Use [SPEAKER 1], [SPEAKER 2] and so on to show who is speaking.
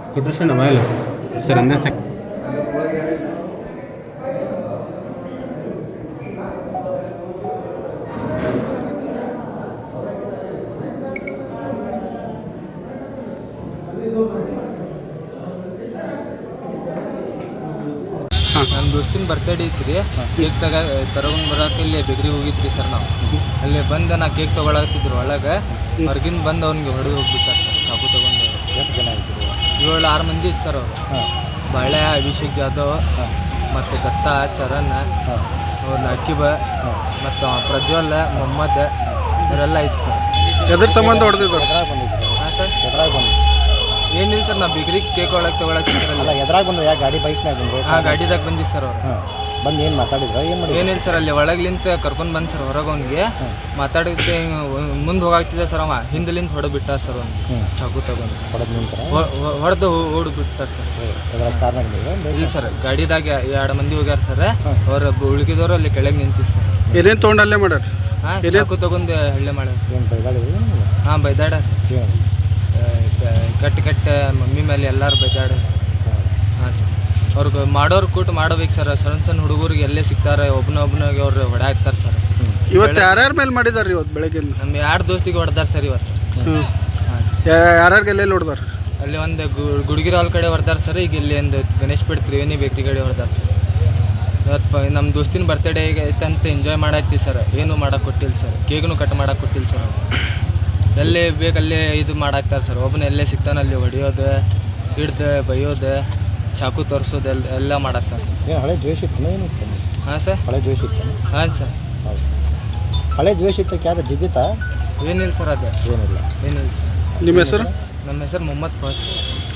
[SPEAKER 1] ಕೊಟ್ರಷನ್ mobile sir ಅಂದೇ ಸೆಕ್
[SPEAKER 2] ನನ್ನ ದೋಸ್ತಿನ ಬರ್ತಡೇ ಐತ್ರಿ. ಕೇಕ್ ತಗೊಂಡು ಬರೋಕೆ ಇಲ್ಲಿ ಬೆಗ್ರಿಗೆ ಹೋಗಿದ್ರಿ ಸರ್. ನಾವು ಅಲ್ಲಿ ಬಂದು ನಾ ಕೇಕ್ ತೊಗೊಳತ್ತಿದ್ರು ಒಳಗೆ. ಹೊರಗಿಂದ ಬಂದು ಅವ್ನಿಗೆ ಹೊಡೆದು ಹೋಗ್ಬಿಟ್ಟಾರೆ ಸರ್ ಚಾಕು ತೊಗೊಂಡು.
[SPEAKER 3] ಎಷ್ಟು ಜನ ಆಯ್ತು?
[SPEAKER 2] 7-6 ಮಂದಿ ಸರ್ ಅವರು. ಬಾಳೆ, ಅಭಿಷೇಕ್ ಜಾಧವ್ ಮತ್ತು ದತ್ತ, ಚರಣ್, ನಕೀಬ ಮತ್ತು ಪ್ರಜ್ವಲ್, ಮೊಹಮ್ಮದ್ ಇವರೆಲ್ಲ ಐತೆ ಸರ್.
[SPEAKER 3] ಎದ್ರ ಸಂಬಂಧ ಹೊಡೆದಿದ್ದು? ಎದ್ರಾಗ ಬಂದಿದ್ರು?
[SPEAKER 2] ಹಾಂ ಸರ್.
[SPEAKER 3] ಎದ್ರಾಗ ಬಂದು
[SPEAKER 2] ಏನಿಲ್ಲ ಸರ್, ನಾವು ಬಿಗ್ರಿಗೆ ಕೇಕ್ ಒಳಗೆ ತೊಗೊಳಕ್ಕೆ ಸರ್.
[SPEAKER 3] ಅಲ್ಲ, ಎದ್ರಾಗ ಬಂದು ಯಾವ ಗಾಡಿ ಬೈಕ್ನಾಗ ಬಂದರು?
[SPEAKER 2] ಹಾಂ, ಗಾಡಿದಾಗ ಬಂದಿದ್ದು ಸರ್ ಅವರು.
[SPEAKER 3] ಬಂದು ಏನು ಮಾತಾಡಿದ್ರು? ಏನು ಮಾಡಿ?
[SPEAKER 2] ಏನಿಲ್ಲ ಸರ್, ಅಲ್ಲಿ ಒಳಗ್ಲಿಂತ ಕರ್ಕೊಂಡು ಬಂದು ಸರ್ ಹೊರಗೆ. ಅವ್ನಿಗೆ ಮಾತಾಡಿದ್ದೆ ಮುಂದೆ ಹೋಗಾಗ್ತಿದ್ದೆ ಸರ್. ಅವ ಹಿಂದಲಿಂದ ಹೊಡೆದ್ಬಿಟ್ಟ ಸರ್ ಅವ್ನಿಗೆ ಚಾಕು ತಗೊಂಡು.
[SPEAKER 3] ಹೊಡೆದ ನಂತರ
[SPEAKER 2] ಹೊಡೆದು ಓಡ್ಬಿಟ್ಟಾರ ಸರ್. ಇಲ್ಲ ಸರ್, ಗಾಡಿದಾಗ 2 ಮಂದಿ ಹೋಗ್ಯಾರ ಸರ್. ಅವ್ರ ಉಳ್ಕಿದವರು ಅಲ್ಲಿ ಕೆಳಗೆ ನಿಂತಿದ್ದು ಸರ್.
[SPEAKER 3] ಏನೇನು ತೊಗೊಂಡು ಅಲ್ಲೇ ಮಾಡ್ಯಾರ?
[SPEAKER 2] ಹಾಂ, ಚಾಕು ತಗೊಂಡು ಹಳ್ಳೆ ಮಾಡ್ಯಾರ ಸರ್.
[SPEAKER 3] ಏನು ಬೈದಾಡಿದ್ರು?
[SPEAKER 2] ಹಾಂ, ಬೈದಾಡ ಸರ್. ಕಟ್ಟ ಮಮ್ಮಿ ಮೇಲೆ ಎಲ್ಲರೂ ಬೈದಾಡ ಸರ್. ಹಾಂ ಸರ್, ಅವ್ರಿಗೆ ಮಾಡೋರು ಕೂಟ ಮಾಡಬೇಕು ಸರ್. ಸಣ್ಣ ಹುಡುಗರಿಗೆ ಎಲ್ಲೇ ಸಿಗ್ತಾರೆ ಒಬ್ಬನಿಗೆ ಅವ್ರು ಹೊಡೆ ಹಾಕ್ತಾರೆ ಸರ್.
[SPEAKER 3] ಇವತ್ತು ಯಾರ್ಯಾರ ಮೇಲೆ ಮಾಡಿದಾರೆ? ಇವತ್ತು ಬೆಳಗ್ಗೆ
[SPEAKER 2] ನಮ್ಮ 2 ದೋಸ್ತಿಗೆ ಹೊಡೆದಾರ ಸರ್ ಇವತ್ತು. ಹಾಂ,
[SPEAKER 3] ಯಾರ್ಯಾರಿಗೆ ಎಲ್ಲೆಲ್ಲಿ ಹೊಡೆದಾರ?
[SPEAKER 2] ಅಲ್ಲಿ ಒಂದು ಗುಡ್ಗಿರ ಹಾಲ್ ಕಡೆ ಹೊಡೆದಾರ ಸರ್. ಈಗ ಇಲ್ಲಿ ಒಂದು ಗಣೇಶ್ ಪೇಟ್ ತ್ರಿವೇಣಿ ಬೇಕ್ರಿ ಕಡೆ ಹೊಡೆದಾರ ಸರ್. ಇವತ್ತು ನಮ್ಮ ದೋಸ್ತಿನ ಬರ್ತಡೇ ಐತೆ ಅಂತ ಎಂಜಾಯ್ ಮಾಡತ್ತೀವಿ ಸರ್. ಏನೂ ಮಾಡೋಕೆ ಕೊಟ್ಟಿಲ್ಲ ಸರ್. ಕೇಕ್ನು ಕಟ್ ಮಾಡೋಕೆ ಕೊಟ್ಟಿಲ್ಲ ಸರ್. ಎಲ್ಲೇ ಬೇಕಲ್ಲೇ ಇದು ಮಾಡಾಕ್ತಾರೆ ಸರ್. ಒಬ್ಬನ ಎಲ್ಲೇ ಸಿಗ್ತಾನೆ ಅಲ್ಲಿ ಹೊಡೆಯೋದು, ಹಿಡ್ದು ಬೈಯೋದು, ಚಾಕು ತೋರಿಸೋದು ಎಲ್ಲ ಮಾಡಾಕ್ತಾರೆ ಸರ್.
[SPEAKER 3] ಏನು ಹಳೆ ದ್ವೇಷ ಇತ್ತು? ಏನಿತ್ತು?
[SPEAKER 2] ಹಾಂ ಸರ್,
[SPEAKER 3] ಹಳೆ ದ್ವೇಷ ಇತ್ತು?
[SPEAKER 2] ಹಾಂ ಸರ್.
[SPEAKER 3] ಹೌದು, ಹಳೆ ದ್ವೇಷ ಇತ್ತು. ಯಾರು ಜಿದ್ದಿತ್ತಾ?
[SPEAKER 2] ಏನಿಲ್ಲ ಸರ್, ಅದು
[SPEAKER 3] ಏನಿಲ್ಲ.
[SPEAKER 2] ಏನಿಲ್ಲ ಸರ್.
[SPEAKER 3] ನಿಮ್ಮ ಹೆಸರು?
[SPEAKER 2] ನಮ್ಮ ಹೆಸರು ಮೊಹಮ್ಮದ್ ಫಾಸ್.